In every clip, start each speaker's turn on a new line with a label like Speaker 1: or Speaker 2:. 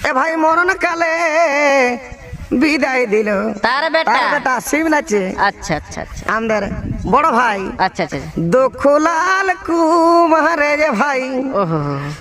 Speaker 1: এ ভাই মরণ কালে বিদায় দিল
Speaker 2: তার বেটা
Speaker 1: শিব নাচে।
Speaker 2: আচ্ছা আচ্ছা আচ্ছা
Speaker 1: আমাদের বড় ভাই
Speaker 2: আচ্ছা আচ্ছা
Speaker 1: দুঃখলাল কুমারে যে ভাই,
Speaker 2: ওহো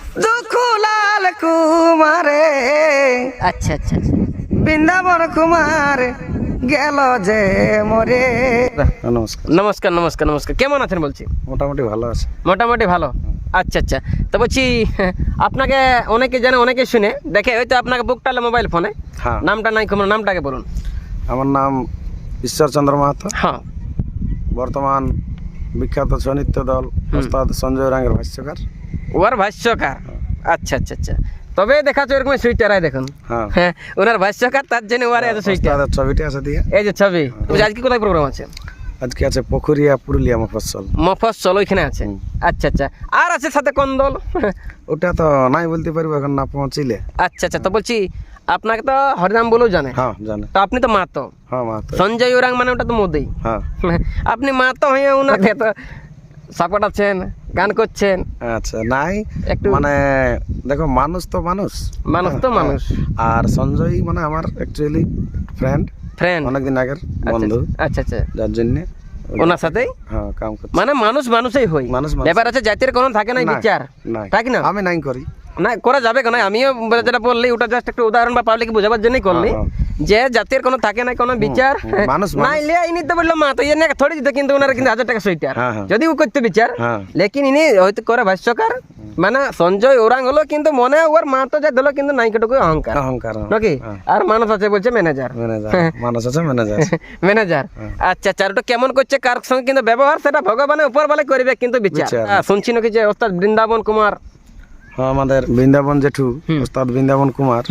Speaker 1: দুঃখলাল কুমারে
Speaker 2: আচ্ছা আচ্ছা আচ্ছা
Speaker 1: বৃন্দাবন কুমার গেল যে মরে।
Speaker 3: নমস্কার।
Speaker 2: নমস্কার নমস্কার নমস্কার। কেমন আছেন বলছি?
Speaker 3: মোটামুটি ভালো আছে।
Speaker 2: মোটামুটি ভালো। আচ্ছা আচ্ছা। তো বলছি আপনাকে অনেকে জানে অনেকে শুনে দেখে হয়তো আপনাকে বুক টালে মোবাইল ফোনে।
Speaker 3: হ্যাঁ।
Speaker 2: নামটা নাই কোন নামটাকে বলুন।
Speaker 3: আমার নাম ঈশ্বরচন্দ্র মাহাতো।
Speaker 2: হ্যাঁ।
Speaker 3: বর্তমান বিখ্যাত সৈনিত্য দল ওস্তাদ সঞ্জয় ওরাংয়ের ভাষ্যকার।
Speaker 2: ওর ভাষ্যকার। আচ্ছা আচ্ছা আচ্ছা। তবে দেখাচ্ছে এরকম সুইটারাই দেখুন।
Speaker 3: হ্যাঁ।
Speaker 2: হ্যাঁ ওনার ভাষ্যকার তার জন্য ওর এত সুইটার।
Speaker 3: ওস্তাদের ছবিটি আছে দিয়ে।
Speaker 2: এই যে ছবি। আজকে কোথায় প্রোগ্রাম আছে?
Speaker 3: আজকে আছে পুকুরিয়া পুরুলিয়া মফস্বল।
Speaker 2: মফস্বল ওইখানে আছে। আচ্ছা আচ্ছা। আর আছে সাথে কোন দল?
Speaker 3: ওটা তো নাই বলতে পারবো এখন না পৌঁছিলে।
Speaker 2: আচ্ছা আচ্ছা। তো বলছি আপনাকে তো হরিনাম বলেও জানে।
Speaker 3: হ্যাঁ জানে।
Speaker 2: তো আপনি তো মাতো।
Speaker 3: হ্যাঁ মাহাতো।
Speaker 2: সঞ্জয় ওরাং মানে ওটা তো মোদি।
Speaker 3: হ্যাঁ।
Speaker 2: আপনি মাতো হয়ে ওনাকে তো সাপোর্ট আছেন, গান করছেন।
Speaker 3: আচ্ছা নাই
Speaker 2: একটু
Speaker 3: মানে দেখো মানুষ তো মানুষ,
Speaker 2: মানুষ তো মানুষ।
Speaker 3: আর সঞ্জয় মানে আমার অ্যাকচুয়ালি ফ্রেন্ড
Speaker 2: ফ্রেন্ড
Speaker 3: অনেকদিন আগের বন্ধু,
Speaker 2: আচ্ছা আচ্ছা।
Speaker 3: যার জন্য
Speaker 2: ওনার সাথেই
Speaker 3: হ্যাঁ কাম করছি।
Speaker 2: মানে মানুষ মানুষই হই।
Speaker 3: মানুষ মানুষ।
Speaker 2: ব্যাপার আছে জাতির কোনো থাকে না
Speaker 3: নাই,
Speaker 2: বিচার,
Speaker 3: নাই।
Speaker 2: তাই কি না?
Speaker 3: আমি নাই করি
Speaker 2: না করা যাবে কেন? আমিও যেটা বললি ওটা জাস্ট একটা উদাহরণ বা পাবলিক বোঝাবার জন্যই করলি যে জাতির কোনো থাকে না কোনো বিচার।
Speaker 3: মানুষ
Speaker 2: না ইলে ইনি তো বললো মা তো ইয়ে থোড়ি দিতে, কিন্তু ওনার কিন্তু 1000 টাকা সুইটার যদি ও করতে বিচার। লেকিন ইনি হয়তো করে ভাষ্যকার মানে সঞ্জয় ওরাং হলো, কিন্তু মনে ওর মা তো যা দিলো কিন্তু নাইকটুকু অহংকার
Speaker 3: অহংকার
Speaker 2: নাকি? আর মানুষ আছে বলছে ম্যানেজার।
Speaker 3: মানুষ আছে ম্যানেজার।
Speaker 2: ম্যানেজার। আচ্ছা আচ্ছা। ওটা কেমন করছে কার সঙ্গে কিন্তু ব্যবহার সেটা ভগবানের উপর বলে করবে, কিন্তু বিচার শুনছি নাকি যে ওস্তাদ বৃন্দাবন কুমার।
Speaker 3: হ্যাঁ আমাদের বৃন্দাবন জেঠু ওস্তাদ বৃন্দাবন কুমার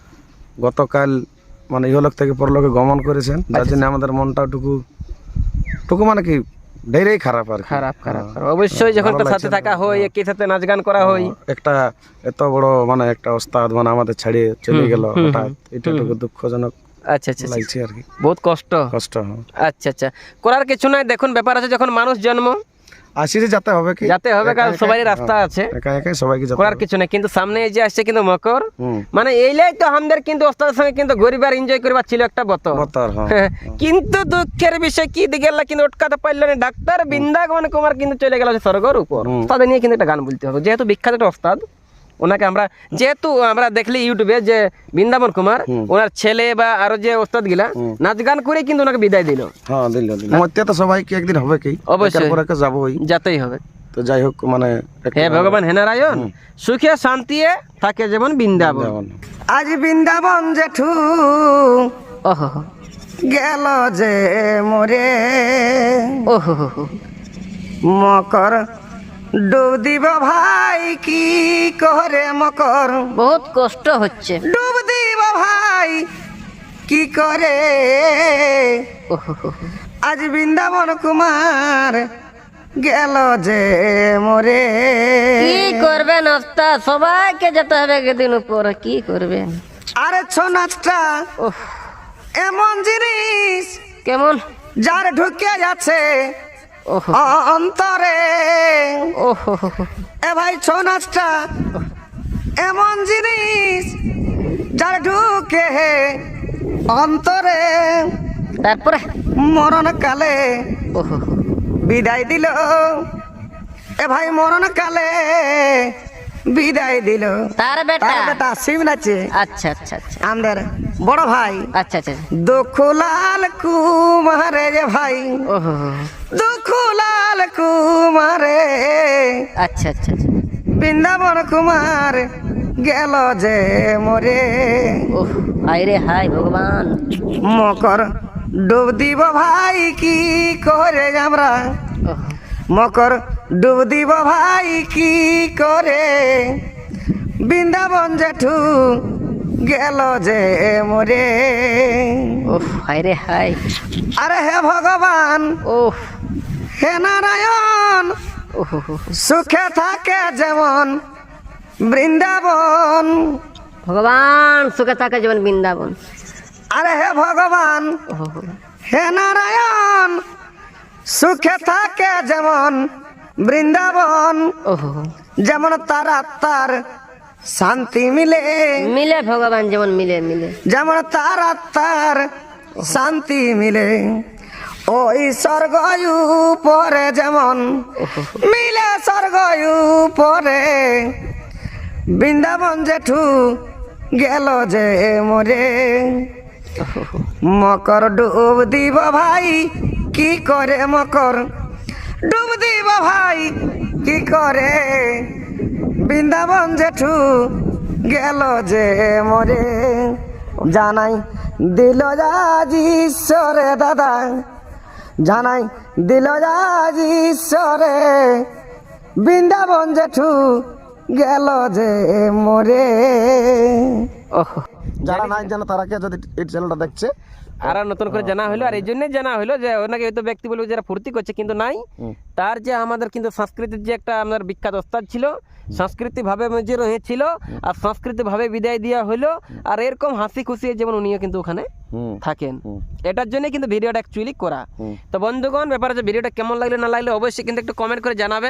Speaker 3: গতকাল মানে ইহলোক থেকে পরলোকে গমন করেছেন, যার জন্য আমাদের মনটাও টুকু মানে কি ঢেরেই খারাপ আর
Speaker 2: খারাপ খারাপ। অবশ্যই যখন তার সাথে থাকা হয়, একই সাথে নাচ গান করা হয়,
Speaker 3: একটা এত বড় মানে একটা ওস্তাদ মানে আমাদের ছাড়িয়ে চলে গেল হঠাৎ, এটা টুকু দুঃখজনক।
Speaker 2: আচ্ছা আচ্ছা
Speaker 3: লাগছে আর কি,
Speaker 2: বহুত কষ্ট। আচ্ছা আচ্ছা। করার কিছু নাই, দেখুন ব্যাপার আছে যখন মানুষ জন্ম
Speaker 3: আসিরে যেতে হবে কি
Speaker 2: যাতে হবে, কারণ সবারই রাস্তা আছে,
Speaker 3: একা একাই সবাইকে যেতে
Speaker 2: করার কিছু নাই। কিন্তু সামনে এই যে আসছে কিন্তু মকর, মানে এইলাই তো আমাদের কিন্তু ওস্তাদের সঙ্গে কিন্তু গরিবার এনজয় করবার ছিল একটা বতর। কিন্তু দুঃখের বিষয় কি দিকে কিন্তু ওটকাতে পারলো না ডাক্তার বৃন্দাবন কুমার কিন্তু চলে গেল স্বর্গের উপর। তাদের নিয়ে কিন্তু একটা গান বলতে হবে, যেহেতু বিখ্যাত একটা ওস্তাদ। ওনাকে আমরা যেহেতু আমরা দেখলি ইউটিউবে যে বৃন্দাবন কুমার ওনার ছেলে বা আরো যে ওস্তাদ গিলা নাচ গান করে কিন্তু ওনাকে বিদায় দিল।
Speaker 3: হ্যাঁ দিল। মধ্যে তো সবাইকে একদিন হবে কি,
Speaker 2: অবশ্যই
Speaker 3: যাবোই,
Speaker 2: যেতেই হবে।
Speaker 3: তো যাই হোক মানে
Speaker 2: হে ভগবান হে নারায়ণ সুখে শান্তিয়ে থাকে যেমন বৃন্দাবন।
Speaker 1: আজ বৃন্দাবন জেঠু
Speaker 2: ওহো
Speaker 1: গেল যে মরে।
Speaker 2: ওহো
Speaker 1: মকর ডুব দিব ভাই কি করে, মকর
Speaker 2: বহুত কষ্ট হচ্ছে।
Speaker 1: ডুব দিব ভাই কি করে। আজ বৃন্দাবন কুমার গেল যে মরে।
Speaker 2: কি করবেন ওস্তাদ, সবাইকে যেতে হবে একদিন উপর, কি করবেন?
Speaker 1: আরে ছৌ নাচটা এমন জিনিস
Speaker 2: কেমন
Speaker 1: যার ঢুকে যাচ্ছে অন্তরে। এ ভাই ছৌ নাচটা এমন জিনিস যার ঢুকে অন্তরে।
Speaker 2: তারপরে
Speaker 1: মরণ কালে বিদায় দিল। এ ভাই মরণ কালে বিদায় দিল
Speaker 2: তার বেটা
Speaker 1: শিব নাচে।
Speaker 2: আচ্ছা আচ্ছা আচ্ছা।
Speaker 1: আমাদের বড় ভাই
Speaker 2: আচ্ছা আচ্ছা
Speaker 1: দুঃখলাল কুমারে যে ভাই, দুঃখলাল কুমারে।
Speaker 2: আচ্ছা আচ্ছা আচ্ছা।
Speaker 1: বৃন্দাবন কুমার গেল যে মরে।
Speaker 2: হায়রে হায় ভগবান।
Speaker 1: মকর ডুব দিব ভাই কি করে আমরা, মকর ডুব দিব ভাই কি করে। বৃন্দাবন জেঠু গেল যে মরে।
Speaker 2: হায়রে হায়।
Speaker 1: আরে হে ভগবান হে নারায়ণ সুখে থাকে যেমন বৃন্দাবন।
Speaker 2: ভগবান সুখে থাকে যেমন বৃন্দাবন।
Speaker 1: আরে হে ভগবান হে নারায়ণ সুখে থাকে যেমন বৃন্দাবন। যেমন তার আত্মার শান্তি মিলে,
Speaker 4: মিলে ভগবান যেমন মিলে মিলে
Speaker 1: যেমন তার আত্মার শান্তি মিলে, ওই স্বর্গ উপরে যেমন মিলে স্বর্গ উপরে, বৃন্দাবন জেঠু গেল যে মরে। মকর ডুব দিব ভাই কি করে, মকর ডুব দিব ভাই কি করে, বৃন্দাবন জেঠু গেল যে মরে। জানাই দিল আজ ঈশ্বরে দাদা, জানাই দিল আজ ঈশ্বরে, বৃন্দাবন জেঠু গেল যে মরে।
Speaker 2: ওহো,
Speaker 3: যারা নাই জানে তারা কে যদি এই চ্যানেলটা দেখছে
Speaker 2: আর নতুন করে জানা হলো, আর এই জন্যই জানা হলো যে ওনাকে হয়তো ব্যক্তি বলবে যারা ফুর্তি করছে, কিন্তু নাই, তার যে আমাদের কিন্তু সংস্কৃতির যে একটা আমাদের বিখ্যাত ওস্তাদ ছিল, সংস্কৃতি ভাবে যে রয়েছিল আর সংস্কৃতি ভাবে বিদায় দেওয়া হলো, আর এরকম হাসি খুশি যেমন উনিও কিন্তু ওখানে থাকেন, এটার জন্য কিন্তু ভিডিওটা অ্যাকচুয়ালি করা। তো বন্ধুগণ, ব্যাপারে যে ভিডিওটা কেমন লাগলো না লাগলো অবশ্যই কিন্তু একটু কমেন্ট করে জানাবেন।